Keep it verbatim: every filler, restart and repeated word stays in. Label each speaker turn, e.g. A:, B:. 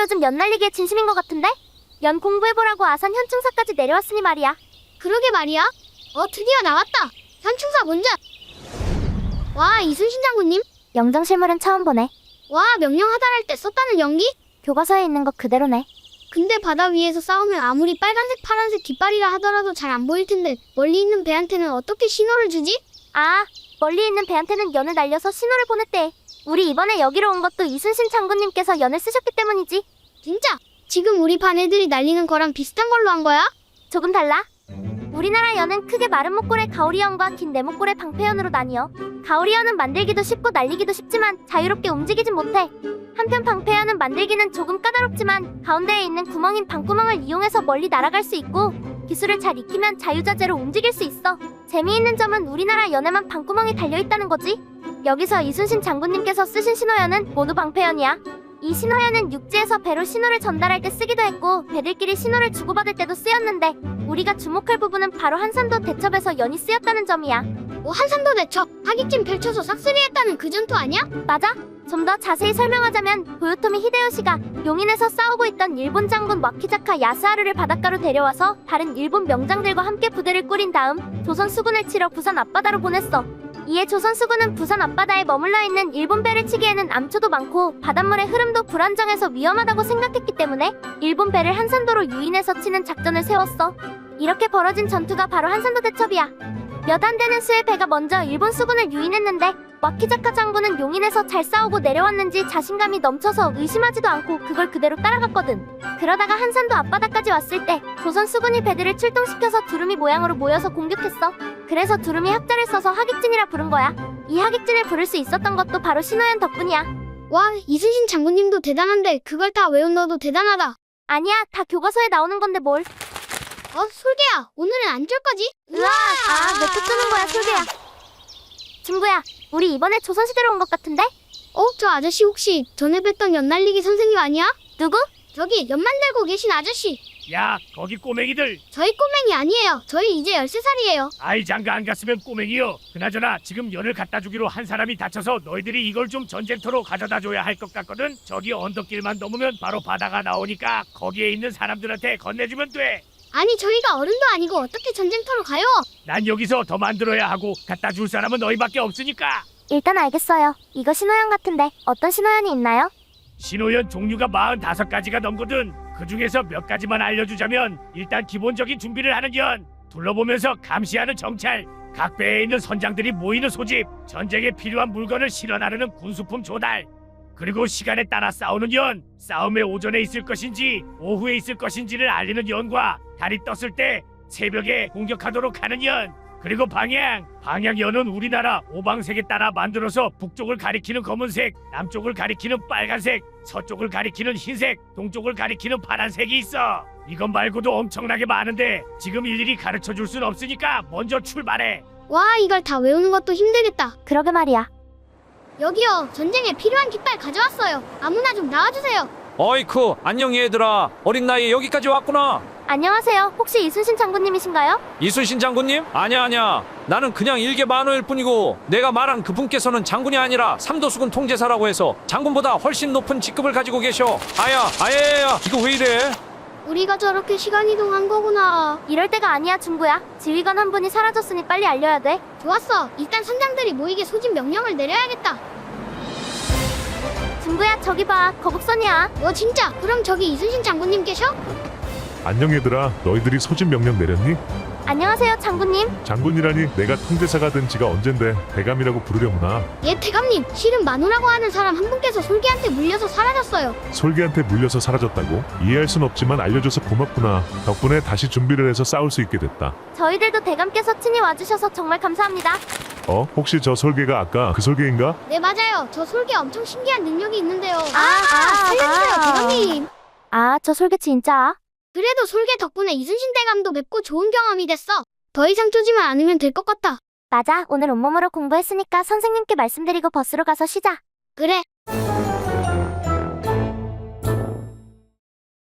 A: 요즘 연 날리기에 진심인 것 같은데? 연 공부해보라고 아산 현충사까지 내려왔으니 말이야.
B: 그러게 말이야. 어, 드디어 나왔다. 현충사 문제. 와, 이순신 장군님.
A: 영정실물은 처음 보네.
B: 와, 명령 하달할 때 썼다는 연기?
A: 교과서에 있는 것 그대로네.
B: 근데 바다 위에서 싸우면 아무리 빨간색 파란색 깃발이라 하더라도 잘 안 보일 텐데 멀리 있는 배한테는 어떻게 신호를 주지?
A: 아, 멀리 있는 배한테는 연을 날려서 신호를 보냈대. 우리 이번에 여기로 온 것도 이순신 장군님께서 연을 쓰셨기 때문이지.
B: 진짜? 지금 우리 반 애들이 날리는 거랑 비슷한 걸로 한 거야?
A: 조금 달라. 우리나라 연은 크게 마른 목골의 가오리연과 긴 네목골의 방패연으로 나뉘어. 가오리연은 만들기도 쉽고 날리기도 쉽지만 자유롭게 움직이진 못해. 한편 방패연은 만들기는 조금 까다롭지만 가운데에 있는 구멍인 방구멍을 이용해서 멀리 날아갈 수 있고 기술을 잘 익히면 자유자재로 움직일 수 있어. 재미있는 점은 우리나라 연에만 방구멍이 달려있다는 거지. 여기서 이순신 장군님께서 쓰신 신호연은 모두 방패연이야. 이 신호연은 육지에서 배로 신호를 전달할 때 쓰기도 했고 배들끼리 신호를 주고받을 때도 쓰였는데 우리가 주목할 부분은 바로 한산도 대첩에서 연이 쓰였다는 점이야.
B: 뭐 한산도 대첩, 하깃진 펼쳐서 싹쓸이했다는 그 전투 아니야?
A: 맞아. 좀 더 자세히 설명하자면 도요토미 히데요시가 용인에서 싸우고 있던 일본 장군 와키자카 야스하루를 바닷가로 데려와서 다른 일본 명장들과 함께 부대를 꾸린 다음 조선 수군을 치러 부산 앞바다로 보냈어. 이에 조선 수군은 부산 앞바다에 머물러 있는 일본 배를 치기에는 암초도 많고 바닷물의 흐름도 불안정해서 위험하다고 생각했기 때문에 일본 배를 한산도로 유인해서 치는 작전을 세웠어. 이렇게 벌어진 전투가 바로 한산도 대첩이야. 몇 안 되는 수의 배가 먼저 일본 수군을 유인했는데 와키자카 장군은 용인에서 잘 싸우고 내려왔는지 자신감이 넘쳐서 의심하지도 않고 그걸 그대로 따라갔거든. 그러다가 한산도 앞바다까지 왔을 때 조선 수군이 배들을 출동시켜서 두루미 모양으로 모여서 공격했어. 그래서 두루미 학자를 써서 하깃진이라 부른 거야. 이 하깃진을 부를 수 있었던 것도 바로 신호연 덕분이야.
B: 와, 이순신 장군님도 대단한데 그걸 다 외운 너도 대단하다.
A: 아니야, 다 교과서에 나오는 건데 뭘.
B: 어, 솔개야, 오늘은 안 쫄 거지?
A: 으아, 아, 몇 초 뜨는 거야, 솔개야. 중구야, 우리 이번에 조선시대로 온 것 같은데?
B: 어, 저 아저씨 혹시 전에 뵀던 연날리기 선생님 아니야?
A: 누구?
B: 저기 연 만들고 계신 아저씨.
C: 야, 거기 꼬맹이들.
B: 저희 꼬맹이 아니에요. 저희 이제 열세 살이에요.
C: 아이 장가 안 갔으면 꼬맹이요. 그나저나 지금 연을 갖다 주기로 한 사람이 다쳐서 너희들이 이걸 좀 전쟁터로 가져다 줘야 할 것 같거든. 저기 언덕길만 넘으면 바로 바다가 나오니까 거기에 있는 사람들한테 건네주면 돼.
B: 아니, 저희가 어른도 아니고 어떻게 전쟁터로 가요?
C: 난 여기서 더 만들어야 하고 갖다 줄 사람은 너희밖에 없으니까.
A: 일단 알겠어요. 이거 신호연 같은데 어떤 신호연이 있나요?
C: 신호연 종류가 마흔다섯 가지가 넘거든. 그 중에서 몇 가지만 알려주자면 일단 기본적인 준비를 하는 연, 둘러보면서 감시하는 정찰, 각 배에 있는 선장들이 모이는 소집, 전쟁에 필요한 물건을 실어 나르는 군수품 조달, 그리고 시간에 따라 싸우는 연, 싸움의 오전에 있을 것인지 오후에 있을 것인지를 알리는 연과 달이 떴을 때 새벽에 공격하도록 하는 연, 그리고 방향, 방향연은 우리나라 오방색에 따라 만들어서 북쪽을 가리키는 검은색, 남쪽을 가리키는 빨간색, 서쪽을 가리키는 흰색, 동쪽을 가리키는 파란색이 있어. 이것 말고도 엄청나게 많은데 지금 일일이 가르쳐줄 순 없으니까 먼저 출발해.
B: 와, 이걸 다 외우는 것도 힘들겠다.
A: 그러게 말이야.
B: 여기요, 전쟁에 필요한 깃발 가져왔어요. 아무나 좀 나와주세요.
D: 어이쿠, 안녕 얘들아. 어린 나이에 여기까지 왔구나.
A: 안녕하세요. 혹시 이순신 장군님이신가요?
D: 이순신 장군님? 아냐 아냐. 나는 그냥 일개 만호일 뿐이고 내가 말한 그분께서는 장군이 아니라 삼도수군 통제사라고 해서 장군보다 훨씬 높은 직급을 가지고 계셔. 아야, 아야야야, 이거 왜 이래?
B: 우리가 저렇게 시간 이동한 거구나.
A: 이럴 때가 아니야, 중구야. 지휘관 한 분이 사라졌으니 빨리 알려야 돼.
B: 좋았어. 일단 선장들이 모이게 소집 명령을 내려야겠다.
A: 중구야, 저기 봐. 거북선이야.
B: 뭐 진짜? 그럼 저기 이순신 장군님 계셔?
E: 안녕 얘들아, 너희들이 소집 명령 내렸니?
A: 안녕하세요, 장군님.
E: 장군이라니 내가 통제사가 된 지가 언젠데 대감이라고 부르려구나.
B: 예, 대감님. 실은 만우라고 하는 사람 한 분께서 솔개한테 물려서 사라졌어요.
E: 솔개한테 물려서 사라졌다고? 이해할 순 없지만 알려줘서 고맙구나. 덕분에 다시 준비를 해서 싸울 수 있게 됐다.
A: 저희들도 대감께서 친히 와주셔서 정말 감사합니다.
E: 어? 혹시 저 솔개가 아까 그 솔개인가?
B: 네, 맞아요. 저 솔개 엄청 신기한 능력이 있는데요.
A: 아, 아,
B: 살려주세요,
A: 아.
B: 대감님.
A: 아, 저 솔개 진짜.
B: 그래도 솔개 덕분에 이순신 대감도 뵙고 좋은 경험이 됐어. 더 이상 쪼지만 않으면 될 것 같다.
A: 맞아. 오늘 온몸으로 공부했으니까 선생님께 말씀드리고 버스로 가서 쉬자.
B: 그래.